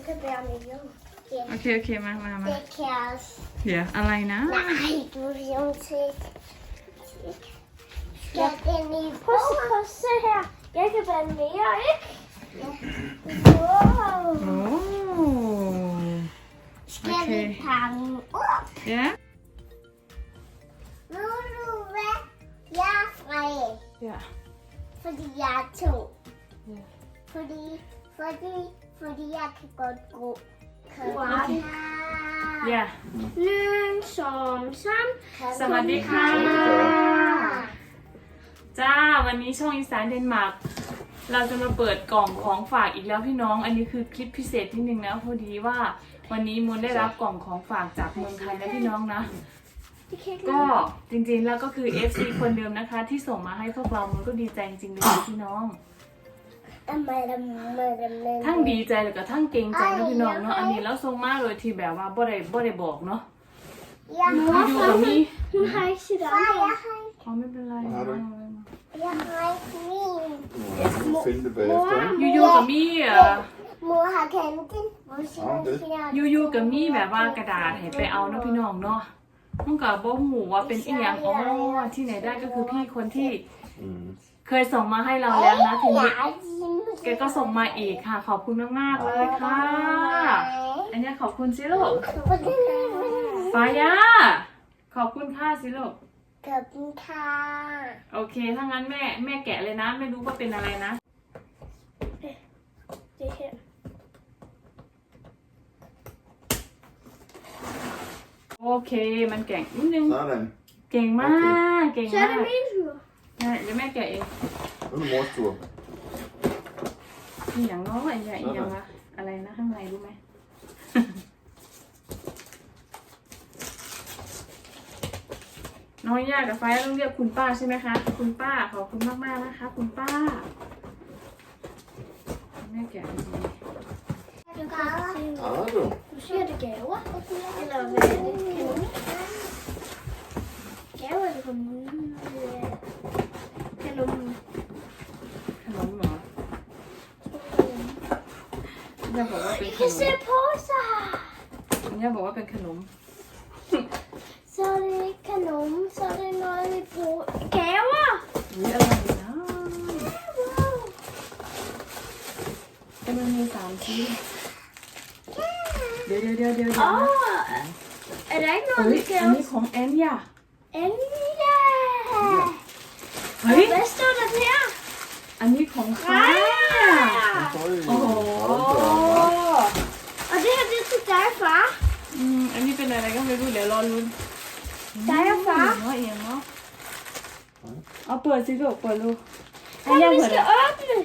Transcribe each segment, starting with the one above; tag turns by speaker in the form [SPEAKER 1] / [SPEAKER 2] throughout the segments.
[SPEAKER 1] kan bære med hjem.
[SPEAKER 2] โอเคโอเคมา
[SPEAKER 1] Det kan jeg også.
[SPEAKER 2] เดี๋ยวอะไรนะ
[SPEAKER 1] Nej, du er jo til. Skal den i Prøv at se her. Jeg kan bære mere, ikke? Ja. Wow.
[SPEAKER 2] โอ้
[SPEAKER 1] Skal vi pakke op?
[SPEAKER 2] เดี๋ยว
[SPEAKER 1] Ved du hvad? Jeg er fred.
[SPEAKER 2] เดี๋ยว
[SPEAKER 1] Fordi jeg er to.
[SPEAKER 2] Ja.
[SPEAKER 1] Fordi jeg kan godt gå.
[SPEAKER 2] Okay. เดี๋ยว
[SPEAKER 1] 1, 2, 3.
[SPEAKER 2] สวัสดีค่ะ จ้าวันนี้ช่องอีสานเดนมาร์กเราจะมาเปิดกล่องของฝากอีกแล้วพี่น้อง อันนี้คือคลิปพิเศษที่หนึ่งนะพอดีว่าวันนี้มูลได้รับกล่องของฝากจากเมืองไทยนะพี่น้องนะ ก็จริงๆแล้วก็คือ FC คนเดิมนะคะ ที่ส่งมาให้พวกเรามันก็ดีใจจริงๆเลยพี่น้อง ทั้งดีใจแล้วก็ทั้งเกรงใจนะพี่น้องเนาะอันนี้แล้วส่งมาโดยที่แบบว่าบ่ได้บอกเนาะ
[SPEAKER 1] Jeg
[SPEAKER 2] อยู่
[SPEAKER 1] har
[SPEAKER 2] กับมี
[SPEAKER 1] Hun har ikke sit andre.
[SPEAKER 2] อ๋อไม่เป็นไร
[SPEAKER 1] Jeg har ikke min.
[SPEAKER 3] Jeg skal finde det bagefter.
[SPEAKER 2] อยู่กับมี
[SPEAKER 1] Mor har kanten. Hvor siger
[SPEAKER 2] อยู่กับมีแบบว่ากระดาษให้ไปเอาเนาะพี่น้องเนาะมันก็บ่ฮู้ว่าเป็นอีหยังอ๋อที่ไหนได้ก็คือพี่คนที่
[SPEAKER 3] Mm.
[SPEAKER 2] เคยส่งมาให้เราแล้วนะทีนี้
[SPEAKER 1] Jeg er
[SPEAKER 2] แกก็ส่งมาอีกค่ะ ขอบคุณมากๆเลยค่ะ อันนี้ขอบคุณสิลูกฟ้ายาขอบคุณค่ะสิลูก
[SPEAKER 1] กับค่ะ
[SPEAKER 2] โอเคถ้างั้นแม่แกะเลยนะไม่รู้ว่าเป็นอะไรนะ
[SPEAKER 1] Det her.
[SPEAKER 2] โอเคมันแก่งนิดนึง
[SPEAKER 3] Sådan.
[SPEAKER 2] เก่งมากเก่ง
[SPEAKER 1] Så
[SPEAKER 2] มา
[SPEAKER 1] er
[SPEAKER 2] ก
[SPEAKER 1] det min tur.
[SPEAKER 2] ใช่เดี๋ยวแม่แกะเอง
[SPEAKER 3] Nu er det mors tur.
[SPEAKER 2] อีหยังเนาะอีหยังวะอะไรนะข้างในรู้ไหม น้องยากกับไฟต้องเรียกคุณป้าใช่ไหมคะคุณป้าขอบคุณมากๆนะคะคุณป้าแม่แกะดี
[SPEAKER 1] Du kan
[SPEAKER 3] Har du?
[SPEAKER 1] Du siger det gaver. Eller hvad er det? Kanon? Gaver eller kanon? Kanon.
[SPEAKER 2] ขนมเหรอย่าบอกว่าเป็นข
[SPEAKER 1] kan
[SPEAKER 2] นม
[SPEAKER 1] se på sig.
[SPEAKER 2] ย่าบอกว่าเป็นขนม
[SPEAKER 1] Så er det ikke kanon, så er det noget, vi bruger. Gaver!
[SPEAKER 2] นี่อะไรนะ
[SPEAKER 1] Wow.
[SPEAKER 2] แต่มันมี3ชิ้นเดี๋ยว
[SPEAKER 1] Åh, er der ikke
[SPEAKER 2] เฮ้
[SPEAKER 1] noget,
[SPEAKER 2] ย
[SPEAKER 1] vi
[SPEAKER 2] อัน
[SPEAKER 1] skal
[SPEAKER 2] นี้ของแอนย่า
[SPEAKER 1] Anja!
[SPEAKER 2] เฮ้ย
[SPEAKER 1] Hvad står der der?
[SPEAKER 2] อันนี้ของฟ้า
[SPEAKER 3] Oj,
[SPEAKER 2] Åh.
[SPEAKER 3] hold da op.
[SPEAKER 1] Og det her, det er til dig, far.
[SPEAKER 2] อันนี้เป็นอะไรก็ไม่รู้เดี๋ยวรอลุ้น
[SPEAKER 1] Dig og far.
[SPEAKER 2] เนาะเอียงเนาะเอาเปิดสิลูกเปิดลูกให้
[SPEAKER 1] Kom,
[SPEAKER 2] ย่า
[SPEAKER 1] vi
[SPEAKER 2] เปิด
[SPEAKER 1] skal åbne.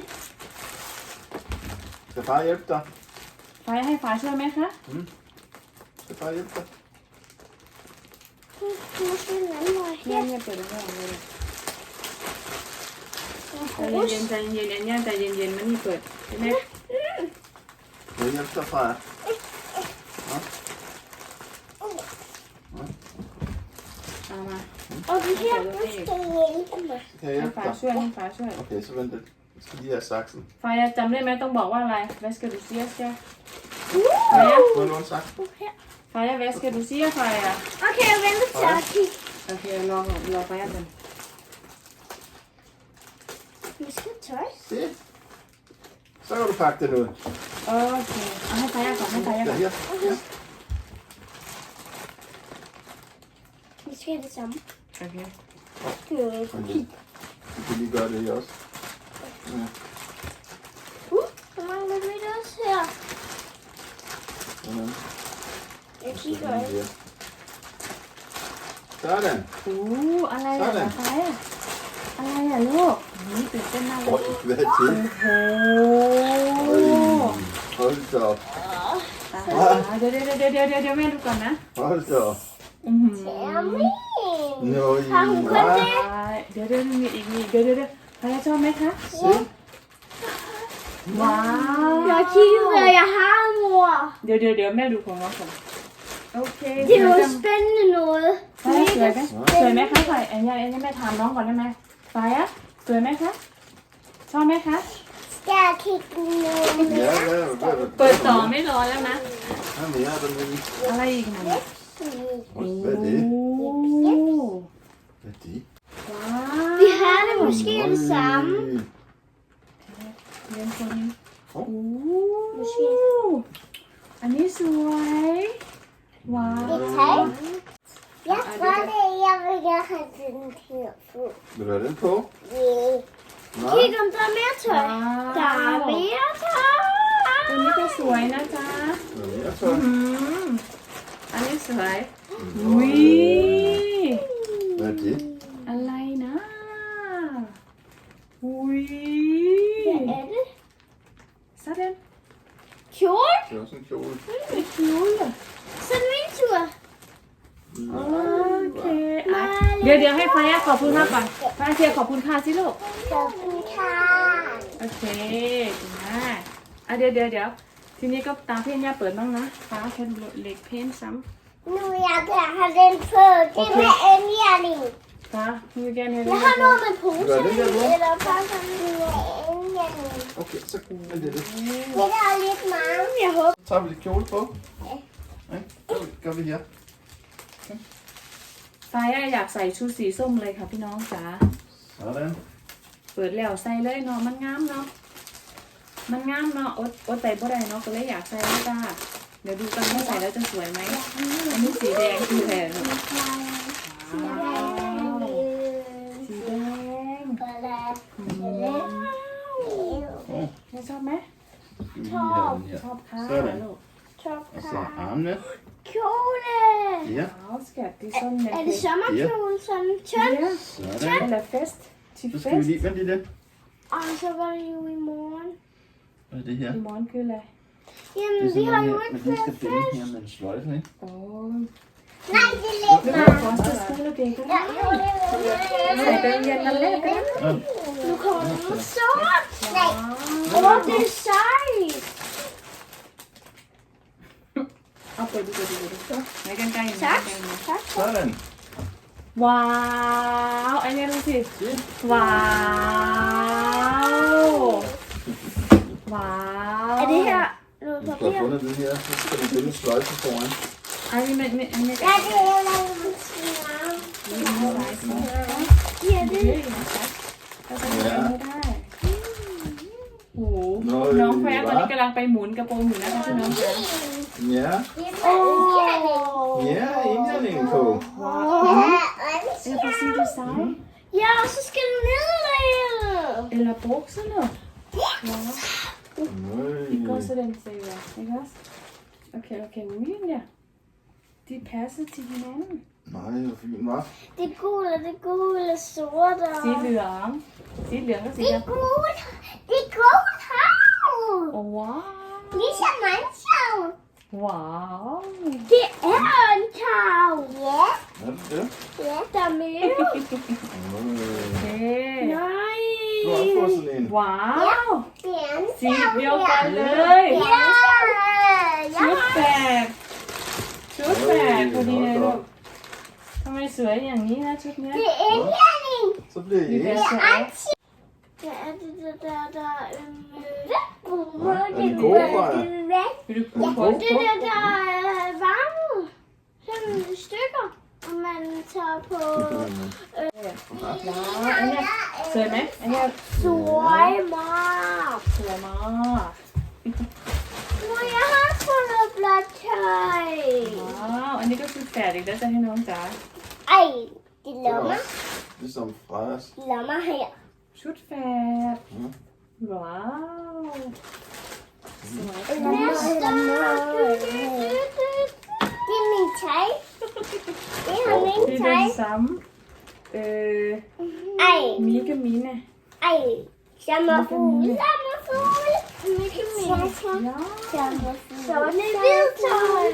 [SPEAKER 3] Skal far hjælpe dig?
[SPEAKER 2] ไฟให้ฟ้าช่วยไหมคะ
[SPEAKER 3] Skal far hjælpe dig?
[SPEAKER 1] Du må se den anden vej
[SPEAKER 2] ย่า
[SPEAKER 1] her.
[SPEAKER 2] เนี่ยเปิดได้เลย
[SPEAKER 1] Og
[SPEAKER 2] ใจเย็นๆอันย่าใจเย็นๆมันนี่เปิดใช่ไหม
[SPEAKER 3] Skal jeg hjælpe dig, Freja? Nå?
[SPEAKER 2] เอามา
[SPEAKER 1] Og det her, du skal hjælpe mig.
[SPEAKER 3] Skal jeg
[SPEAKER 2] ให้
[SPEAKER 3] hjælpe
[SPEAKER 2] ฟ้า
[SPEAKER 3] dig?
[SPEAKER 2] ช่วยให้ฟ้าช่วย
[SPEAKER 3] Okay, så vent lidt. Jeg skal lige have saksen.
[SPEAKER 2] ฟ้าจำได้ไหมต้องบอกว่าอะไร Hvad skal du sige skal
[SPEAKER 3] Må jeg låne saksen?
[SPEAKER 1] Her.
[SPEAKER 2] ฟ้าHvad skal du sige ฟ้า
[SPEAKER 1] Okay, jeg venter til at kigge.
[SPEAKER 2] โอเครอฟ้ากัน
[SPEAKER 1] Vi skal tøj.
[SPEAKER 3] Se. Så kan du pakke den ud.
[SPEAKER 2] โอเคเอาให้ฟ้าก่อนให้ฟ้า
[SPEAKER 3] Ja,
[SPEAKER 2] ก่อน
[SPEAKER 3] her. Ja.
[SPEAKER 1] Vi skal have det samme.
[SPEAKER 2] โอเค
[SPEAKER 1] Det er jo ikke
[SPEAKER 3] Okay. Du kan lige gøre det her også. Ja.
[SPEAKER 1] Så mangler vi det også her.
[SPEAKER 3] Sådan.
[SPEAKER 1] Jeg
[SPEAKER 3] Så
[SPEAKER 1] kigger
[SPEAKER 3] lige
[SPEAKER 1] ikke.
[SPEAKER 3] her. Sådan.
[SPEAKER 2] อะไรอ่ะฟ้าอะไรอ่ะลูกนี่ตื่นเต้นมากเลย
[SPEAKER 3] Oj, hvad er det?
[SPEAKER 2] โอ้โห
[SPEAKER 3] Hold da op.
[SPEAKER 2] เดี๋ยวแม่ดูก่อนนะ
[SPEAKER 3] Hold da op.
[SPEAKER 1] Termin.
[SPEAKER 3] Nøj,
[SPEAKER 1] Har hun kun
[SPEAKER 3] hva'?
[SPEAKER 1] det?
[SPEAKER 2] เดี๋ยวมีอีกเดี๋ยวฟ้าชอบไหมคะ
[SPEAKER 3] Se.
[SPEAKER 2] ว้าว
[SPEAKER 1] Jeg har kigget, hvad jeg har, mor.
[SPEAKER 2] เดี๋ยวแม่ดูของเราก่อนโอเค
[SPEAKER 1] Det er noget spændende noget.
[SPEAKER 2] ฟ้าสวยไหมสวยไหมคะฝ่ายอันนี้แม่ถามน้องก่อนได้ไหมฟ้าสวยไหมคะชอบไหมคะ
[SPEAKER 1] skal kigge nu.
[SPEAKER 3] Ja, hvad?
[SPEAKER 2] เปิดต่อไม่รอแล้วนะ
[SPEAKER 3] Hvad mere er der med?
[SPEAKER 2] อะไรอีกนะ
[SPEAKER 3] Hvad er det?
[SPEAKER 2] โอ้
[SPEAKER 3] Hvad er det?
[SPEAKER 2] ว้า
[SPEAKER 1] Vi har det måske det samme.
[SPEAKER 2] เรียนคนนี้โอ้
[SPEAKER 1] Måske.
[SPEAKER 2] อันนี้สวยว้าว
[SPEAKER 1] Det tag. Jeg tror det, jeg vil gerne have den her på.
[SPEAKER 3] Vil du have den på?
[SPEAKER 1] Yeah.
[SPEAKER 3] Nej.
[SPEAKER 1] Kig om der er mere tøj.
[SPEAKER 2] ว้าว
[SPEAKER 1] Der er mere
[SPEAKER 2] ตัวนี้
[SPEAKER 1] tøj.
[SPEAKER 2] ก็สวยนะจ๊ะ
[SPEAKER 3] Hvad mere
[SPEAKER 2] อื
[SPEAKER 3] tøj?
[SPEAKER 2] มอันนี้สวยอุ้ย
[SPEAKER 3] Hvad er det?
[SPEAKER 2] อะไรนะอุ้ย
[SPEAKER 1] Hvad er det?
[SPEAKER 2] sådan
[SPEAKER 1] Kjole?
[SPEAKER 3] Det er også en kjole.
[SPEAKER 2] เป็นคิ้วเหรอ
[SPEAKER 1] Så er det min tur.
[SPEAKER 2] โอเคอ่ะเดี๋ยวให้ฟ้าขอบคุณค่ะก่อนฟ้าเชียร์ขอบคุณค่ะสิลูก
[SPEAKER 1] Sådan her.
[SPEAKER 2] โอเคดีมากอ่ะเดี๋ยวทีนี้ก็ตามพี่ย่าเปิดบ้างนะฟ้าแค่เหล็กเพ้นซ้
[SPEAKER 1] Nu vil jeg gerne have den på. Det
[SPEAKER 2] Okay.
[SPEAKER 1] med indjæring.
[SPEAKER 2] ำฟ้ามือแกเนี่ย
[SPEAKER 1] Jeg har noget med pose.
[SPEAKER 3] Hvad er det der, mor?
[SPEAKER 1] Eller bare sådan med indjæring.
[SPEAKER 3] Okay, så er det det.
[SPEAKER 1] Det der er lidt mange, jeg håber.
[SPEAKER 3] Så tager vi lidt kjole på. Ja. Gør vi her.
[SPEAKER 2] ฟ้าอยากใส่ชุดสีส้มเลยค่ะพี่น้องจ๋า
[SPEAKER 3] Sådan.
[SPEAKER 2] เปิดแล้วใส่เลยเนาะมันงามเนาะมันงามเนาะอดใจบ่ได้เนาะก็เลยอยากใส่เลยจ้าเดี๋ยวดูกันว่าใส่แล้วจะสวยไหมอันนี้สีแดงคือแทนว้าวสีแดงว้าวแม่ชอบไหม
[SPEAKER 3] Skal vi lige have den her.
[SPEAKER 2] ชอบค่ะ
[SPEAKER 3] Sådan.
[SPEAKER 2] ลูก
[SPEAKER 3] Og så armene.
[SPEAKER 1] Kjole.
[SPEAKER 3] Ja.
[SPEAKER 2] ว้าวสกัดดิซอนเน็ต
[SPEAKER 1] Er det sommerkjole sådan tynd?
[SPEAKER 2] ใช่
[SPEAKER 3] Sådan.
[SPEAKER 2] แล้วเฟสที่
[SPEAKER 3] Så
[SPEAKER 2] เฟ
[SPEAKER 3] skal vi
[SPEAKER 2] ส
[SPEAKER 3] lige vente lidt.
[SPEAKER 1] Og så var det jo i morgen.
[SPEAKER 3] Hvad er det her?
[SPEAKER 2] อีมอนคืออะไร
[SPEAKER 1] Jamen,
[SPEAKER 3] Det er
[SPEAKER 1] vi
[SPEAKER 3] sådan
[SPEAKER 1] har
[SPEAKER 3] noget
[SPEAKER 1] jo
[SPEAKER 3] her,
[SPEAKER 1] ikke
[SPEAKER 3] man lige skal
[SPEAKER 1] flere
[SPEAKER 3] binde
[SPEAKER 1] fisk.
[SPEAKER 3] her med en sløjfe, ikke?
[SPEAKER 2] โอ้
[SPEAKER 1] Nej, det er lidt
[SPEAKER 2] แล้ว
[SPEAKER 1] meget.
[SPEAKER 2] ฟอสต์สกูลเด็กก็
[SPEAKER 1] Ja,
[SPEAKER 2] ได้
[SPEAKER 1] jo,
[SPEAKER 2] ใส่ไปโรงเรียนกันแรกก็ได้
[SPEAKER 3] Ja.
[SPEAKER 1] Nu kommer den med sort.
[SPEAKER 2] ว้า
[SPEAKER 1] Nej.
[SPEAKER 2] ว
[SPEAKER 1] Åh, det er sejt.
[SPEAKER 2] เอาเปิดดูไหนกันไกลอยู่
[SPEAKER 1] Tak.
[SPEAKER 2] ไหน
[SPEAKER 1] Tak.
[SPEAKER 3] Sådan.
[SPEAKER 2] ว้าวอันนี้ดูสิ
[SPEAKER 3] Se.
[SPEAKER 2] ว้าวว้าว
[SPEAKER 1] Er det her noget
[SPEAKER 3] Du skal have
[SPEAKER 1] papir?
[SPEAKER 3] fundet den her, så skal du binde en sløjfe foran.
[SPEAKER 2] อันนี้มัน
[SPEAKER 1] Ja, det er lavet Ja, det er
[SPEAKER 2] ก็จะไม่ได้โอ้โหน้องแฟร์ตอนนี้กำลังไปหมุนกระโปรงอยู่นะคะพี่น้อง
[SPEAKER 3] Ja.
[SPEAKER 1] Åh.
[SPEAKER 3] Ja, indhældningen på.
[SPEAKER 2] Eller på sin design
[SPEAKER 1] Ja, og så skal den ned.
[SPEAKER 2] eller bukserne wow det går
[SPEAKER 3] Nøj.
[SPEAKER 2] sådan siger ikke også okay William de passer til hinanden
[SPEAKER 3] Nej, hvor fint, hva'?
[SPEAKER 1] Det er gule, sorte.
[SPEAKER 2] สีเหลืองก็สี
[SPEAKER 1] Det
[SPEAKER 2] ด
[SPEAKER 1] er gult. Det er gult hav.
[SPEAKER 2] ำโอ้ว้าว
[SPEAKER 1] Ligesom mandshav.
[SPEAKER 2] ว้าว
[SPEAKER 1] Det er en tav. Ja.
[SPEAKER 3] Er det det?
[SPEAKER 1] Ja, der er mere.
[SPEAKER 3] Nøj.
[SPEAKER 2] โอเค
[SPEAKER 1] Nej.
[SPEAKER 3] Du har også fået sådan en.
[SPEAKER 2] ว้าว
[SPEAKER 1] Det er en
[SPEAKER 2] สี
[SPEAKER 1] tav
[SPEAKER 2] เดียวกัน
[SPEAKER 1] her.
[SPEAKER 2] เลย
[SPEAKER 1] Ja.
[SPEAKER 2] ชุด
[SPEAKER 1] Ja.
[SPEAKER 2] แฝดพอดีเลยลูกทำไมสวยอย่างนี้นะชุดเนี้ย
[SPEAKER 1] Det er indjæring.
[SPEAKER 3] Så bliver I
[SPEAKER 2] Det
[SPEAKER 3] ikke.
[SPEAKER 2] er så
[SPEAKER 1] Anti. Hvad er det der
[SPEAKER 3] Er de gode, Freja?
[SPEAKER 2] vil du bruge på
[SPEAKER 1] Det der er varmet. Sådan i stykker. Og man tager på
[SPEAKER 2] ว้าวอันเนี้ยสวยไหมอันเนี้ย
[SPEAKER 1] Søjmark.
[SPEAKER 2] สวยมาก
[SPEAKER 1] Hvor jeg har fundet blåt tøj.
[SPEAKER 2] ว้าวอันนี้ก็คือแฝดอีกแล้วจะให้น้องจ๋า
[SPEAKER 1] Ej, det
[SPEAKER 3] Det er
[SPEAKER 1] lommer.
[SPEAKER 3] også ligesom Frejas.
[SPEAKER 1] Lommer her.
[SPEAKER 2] ชุดแฝดว้าวสวย
[SPEAKER 1] Næste. Det er min tøj. Det er
[SPEAKER 2] ที่
[SPEAKER 1] min
[SPEAKER 2] เดิน
[SPEAKER 1] tøj.
[SPEAKER 2] ซ้ำ
[SPEAKER 1] Ej,
[SPEAKER 2] มีกับมีเนี่ย
[SPEAKER 1] ej. Sommerfugl. Sommerfugl. Mikke Mus.
[SPEAKER 2] ยา
[SPEAKER 1] Sommerfugl. Så er det hvid tøj.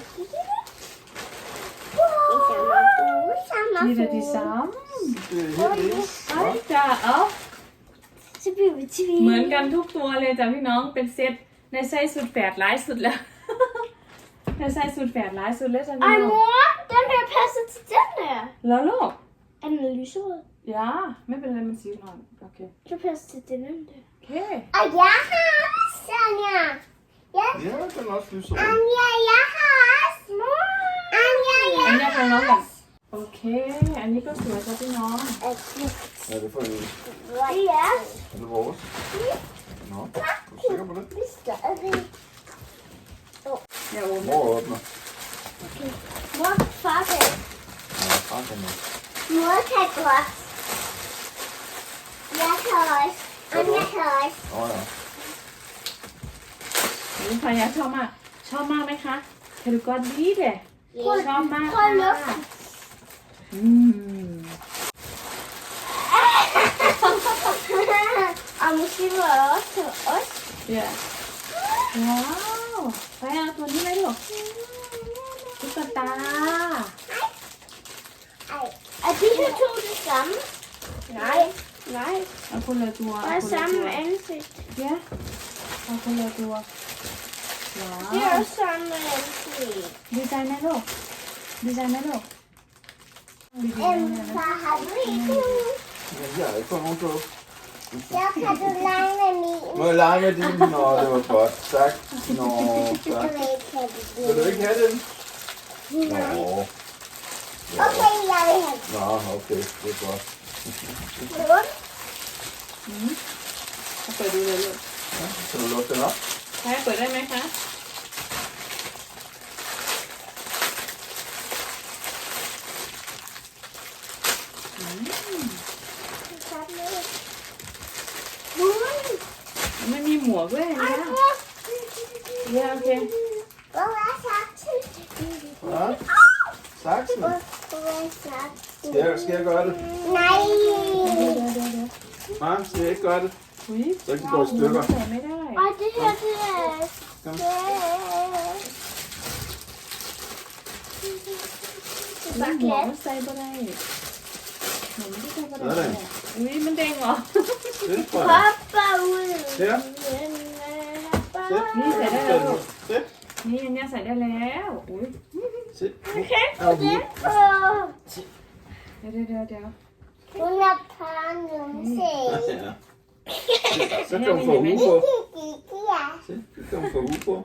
[SPEAKER 1] Sommerfugl.
[SPEAKER 2] มีแต่ที่ซ้
[SPEAKER 3] Det er helt ens.
[SPEAKER 2] ำไอ้จ๋าเอ้า
[SPEAKER 1] Så bliver vi tvivl.
[SPEAKER 2] เหมือนกันทุกตัวเลยจ้ะพี่น้องเป็นเซตในไส้สุดแฝดร้ายสุดแล้ว ในไส้สุดแฝดร้ายสุดแล้วจ้ะพี่
[SPEAKER 1] Ej
[SPEAKER 2] น้อง
[SPEAKER 1] mor, den her passer til den der.
[SPEAKER 2] แล้วลูก
[SPEAKER 1] Er den lyserød?
[SPEAKER 2] ยาไม่เป็นไรมันสีอ่อนโอเค
[SPEAKER 1] Så passer til den der.
[SPEAKER 2] โอเค
[SPEAKER 1] Jeg har Sonja.
[SPEAKER 3] Ja, den er også lyserød.
[SPEAKER 1] Anja, jeg har Anja,
[SPEAKER 2] อัน
[SPEAKER 1] jeg
[SPEAKER 2] นี้ของน้องกันโอเค อันนี้ก็สวยจ้ะพี่น้อง
[SPEAKER 3] Hvad er det for en?
[SPEAKER 1] Ja.
[SPEAKER 3] Er det vores? Nå, er du sikker på det?
[SPEAKER 1] Vi stadig.
[SPEAKER 2] อย่าโอม
[SPEAKER 3] Mor åbner.
[SPEAKER 1] Mor, far kan.
[SPEAKER 3] Ja, far kan også.
[SPEAKER 1] Mor kan godt. Jeg kan også. Anja kan også.
[SPEAKER 3] Ja.
[SPEAKER 2] นี่ภรรยาชอบมาก ชอบมากไหมคะเธอดูก็ดีเด้ชอบมาก
[SPEAKER 1] Prøv at
[SPEAKER 2] ค่ะ
[SPEAKER 1] lukke.
[SPEAKER 2] อืม
[SPEAKER 1] Og måske var det også til os.
[SPEAKER 2] เดี๋ยวว้าวไปเอาตัวนี้ไหมลูกตุ๊กตา
[SPEAKER 1] Ej. Er de her to det samme? Nej. Nej.
[SPEAKER 2] เอาคนละตัว
[SPEAKER 1] Bare samme ansigt.
[SPEAKER 2] เดี๋ยวเอาคนละตัวว้า
[SPEAKER 1] Det er
[SPEAKER 2] ว
[SPEAKER 1] også samme ansigt.
[SPEAKER 2] ดีใจไหมลูกดีใจไหมลูกดีใจไหม
[SPEAKER 1] Far, har du ikke?
[SPEAKER 3] Men jeg har ikke fået nogen på.
[SPEAKER 1] Så kan du lege med min.
[SPEAKER 3] Må jeg lege med din? Nå, det var godt. Tak. Nå,
[SPEAKER 1] Du
[SPEAKER 3] tak.
[SPEAKER 1] vil ikke have det.
[SPEAKER 3] Vil du ikke have den? Nå. Ja.
[SPEAKER 1] Okay, jeg vil have
[SPEAKER 3] Nå, okay. Det er godt.
[SPEAKER 1] det.
[SPEAKER 2] เอาเปิดดูเลยลูก
[SPEAKER 3] Ja, kan du lukke den op?
[SPEAKER 2] ใช้เปิดได้ไหมคะ มันมีหมวกด้วยนะเนี่ยโอเค
[SPEAKER 1] Hvor er saksen?
[SPEAKER 3] Ja. Saksen.
[SPEAKER 1] Hvor er saksen?
[SPEAKER 3] Skal jeg gøre det?
[SPEAKER 1] Nej.
[SPEAKER 2] เดี๋ยว
[SPEAKER 3] Nej, skal jeg ikke gøre det?
[SPEAKER 2] อุ้ย
[SPEAKER 3] Så ikke det går i stykker.
[SPEAKER 2] ใส่ไม่ได้
[SPEAKER 1] Og det her, det er...
[SPEAKER 3] Kom.
[SPEAKER 2] มันหมวกมันใส่บ่ได้หมวกมันใส่บ่ได้อุ้ยมันแดงเหรอ
[SPEAKER 3] Det tror jeg.
[SPEAKER 1] Hoppa ud.
[SPEAKER 3] Ja. Sæt.
[SPEAKER 2] Lige sæt det der på.
[SPEAKER 3] Sæt.
[SPEAKER 2] นี่อันเนี้ยใส่ได้แล้วอุ้ย
[SPEAKER 3] Sæt.
[SPEAKER 1] Okay,
[SPEAKER 3] Au,
[SPEAKER 1] det
[SPEAKER 3] hud.
[SPEAKER 1] på.
[SPEAKER 2] เดี๋ยว
[SPEAKER 1] Hun er pånumse.
[SPEAKER 3] Ja. Så kan hun få hue på.
[SPEAKER 1] Ja.
[SPEAKER 3] Se, så kan hun få hue på.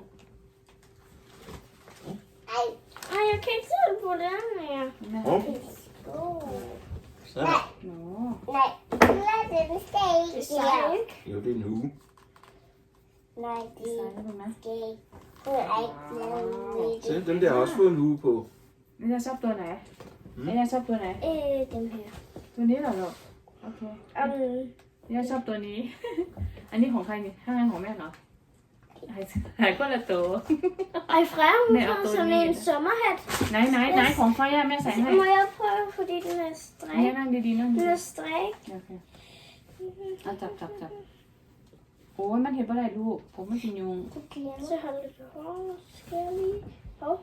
[SPEAKER 1] Ej. Ej, jeg kan ikke sidde på den her.
[SPEAKER 3] Hop.
[SPEAKER 1] Oh.
[SPEAKER 3] Sådan.
[SPEAKER 2] หนู
[SPEAKER 1] Nej, den skal ikke her.
[SPEAKER 3] Jo, det er en hue.
[SPEAKER 1] Nej,
[SPEAKER 2] ใส่ได้ไหม
[SPEAKER 1] skal ikke. Hun er ikke lavet
[SPEAKER 3] Se, den der har også fået en hue på.
[SPEAKER 2] นี่จะชอบตัวไหนนี่จะชอบตัวไหน
[SPEAKER 1] Dem her.
[SPEAKER 2] ตัวนี้เหรอลูกโอเคนี่จะชอบตัวนี้ อันนี้ของใครนี่ถ้างั้นของแม่เหรอหายก็ละตัว
[SPEAKER 1] Ej, Freja, hun
[SPEAKER 2] Med
[SPEAKER 1] har
[SPEAKER 2] at gå
[SPEAKER 1] sådan
[SPEAKER 2] ned.
[SPEAKER 1] en sommerhat.
[SPEAKER 2] ไหนของไฟอะแม่ใส่ให้
[SPEAKER 1] Må jeg prøve, fordi den er
[SPEAKER 2] อันนี้
[SPEAKER 1] strik?
[SPEAKER 2] นั่งดีๆนั่ง
[SPEAKER 1] Den
[SPEAKER 2] ดี
[SPEAKER 1] er strik.
[SPEAKER 2] ๆโอเคเอาจับโอ้ยมันเห็นปะไรลูกผมมันสิยุง
[SPEAKER 1] Okay, så hold lidt hårdt. Skal jeg lige... Hov.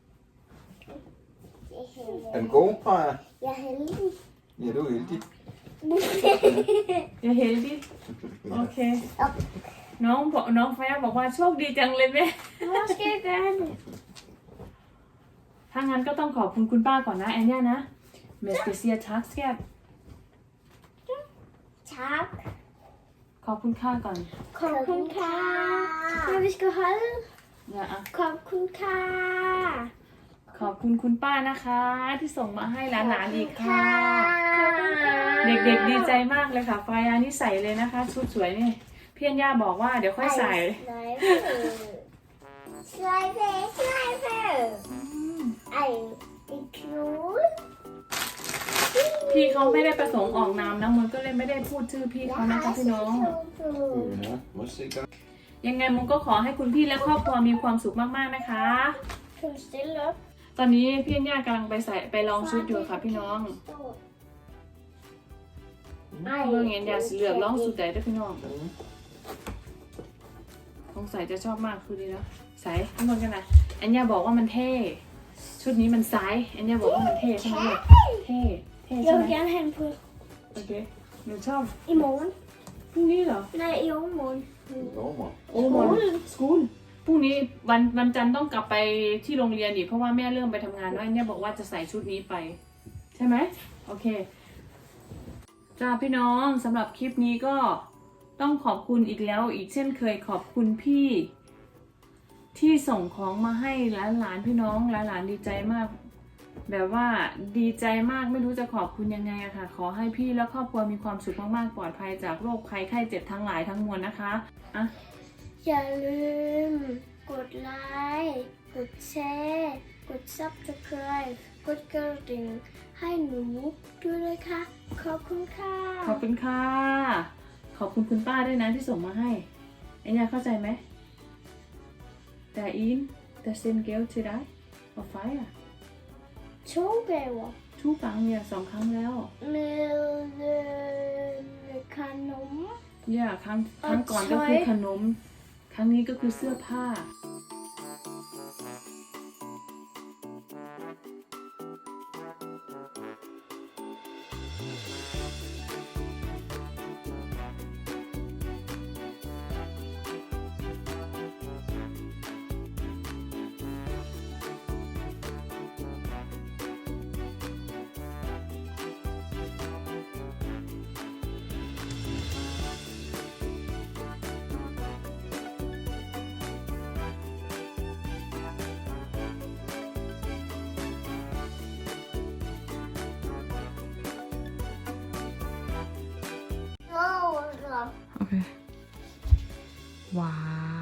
[SPEAKER 3] Er den god, Freja?
[SPEAKER 1] Jeg er heldig.
[SPEAKER 3] Ja, du er heldig.
[SPEAKER 2] อย่าเห็นดิโอเค น้องไฟบอกว่าโชคดีจังเลยแม่
[SPEAKER 1] Hvor skal jeg gøre det?
[SPEAKER 2] ถ้างั้นก็ต้องขอบคุณคุณป้าก่อนนะแอนย่านะเมสเปเซียทักสแกต
[SPEAKER 1] Tak.
[SPEAKER 2] ขอบคุณค่าก่อน
[SPEAKER 1] Kom kun ka. Når vi skal holde.
[SPEAKER 2] อย่าอะ
[SPEAKER 1] Kom kun ka.
[SPEAKER 2] ขอบคุณคุณป้านะคะ ที่ส่งมาให้หลานๆอีกค่ะ เด็กๆดีใจมากเลยค่ะไฟอันนี้ใส่เลยนะคะ ชุดสวยนี่พี่อัญญาบอกว่าเดี๋ยวค่อยใส่
[SPEAKER 1] Sløjfe. Ej, det er knude.
[SPEAKER 2] พี่เขาไม่ได้ประสงค์ออกนามนะมันก็เลยไม่ได้พูดชื่อพี่เขานะคะพี่น้อง
[SPEAKER 3] Ja, må jeg se gang.
[SPEAKER 2] ยังไงมุงก็ขอให้คุณพี่และครอบครัวมีความสุขมากๆนะคะ
[SPEAKER 1] Kan du stille op?
[SPEAKER 2] ตอนนี้พี่อัญญากำลังไปลองชุดอยู่ค่ะพี่น้องเมื่อไงอัญญาสิเลือกลองสุดใดด้วยพี่น้องสงสัยจะชอบมากคือดีนะใส่ข้างบนกันนะอัญญาบอกว่ามันเท่ชุดนี้มันไซส์อัญญาบอกว่ามันเท่ใช่ไหมลูกเท่ใช่
[SPEAKER 1] Jeg
[SPEAKER 2] ไหม
[SPEAKER 1] vil gerne have den på
[SPEAKER 2] โอเคหนูชอบ
[SPEAKER 1] i morgen.
[SPEAKER 2] พรุ่งนี้เหรอ
[SPEAKER 1] Nej, i overmorgen.
[SPEAKER 3] Lovmor.
[SPEAKER 2] โอ้โหสกูลพรุ่งนี้วันจันทร์ต้องกลับไปที่โรงเรียนอีกเพราะว่าแม่เริ่มไปทำงานแล้วเนี่ยบอกว่าจะใส่ชุดนี้ไป ใช่ไหมโอเคจ้าพี่น้องสำหรับคลิปนี้ก็ต้องขอบคุณอีกแล้วอีกเช่นเคยขอบคุณพี่ ที่ส่งของมาให้หลานๆพี่น้องหลานๆดีใจมาก แบบว่าดีใจมากไม่รู้จะขอบคุณยังไงอะค่ะ ขอให้พี่และครอบครัวมีความสุขมากๆปลอดภัยจากโรคภัยไข้เจ็บทั้งหลายทั้งมวลนะคะอ่ะ
[SPEAKER 1] อย่าลืมกดไลค์กดแชร์กด Subscribe กดกระดิ่งให้หนูด้วยนะคะขอบคุณค่ะ
[SPEAKER 2] ขอบคุณค่ะ ขอบคุณคุณป้าด้วยนะที่ส่งมาให้ไอ้เนี่ยเข้าใจไหมแต่อินแต่เซนเกลที่ได้เอาไฟอ่ะ
[SPEAKER 1] Två gånger
[SPEAKER 2] ทุกครั้งเนี่ย2 ครั้งแล้ว
[SPEAKER 1] med kanon
[SPEAKER 2] เนี่ยครั้งก่อนก็คือขนม ครั้งนี้ก็คือเสื้อผ้า
[SPEAKER 1] Rosa.
[SPEAKER 2] โอเค ว้าว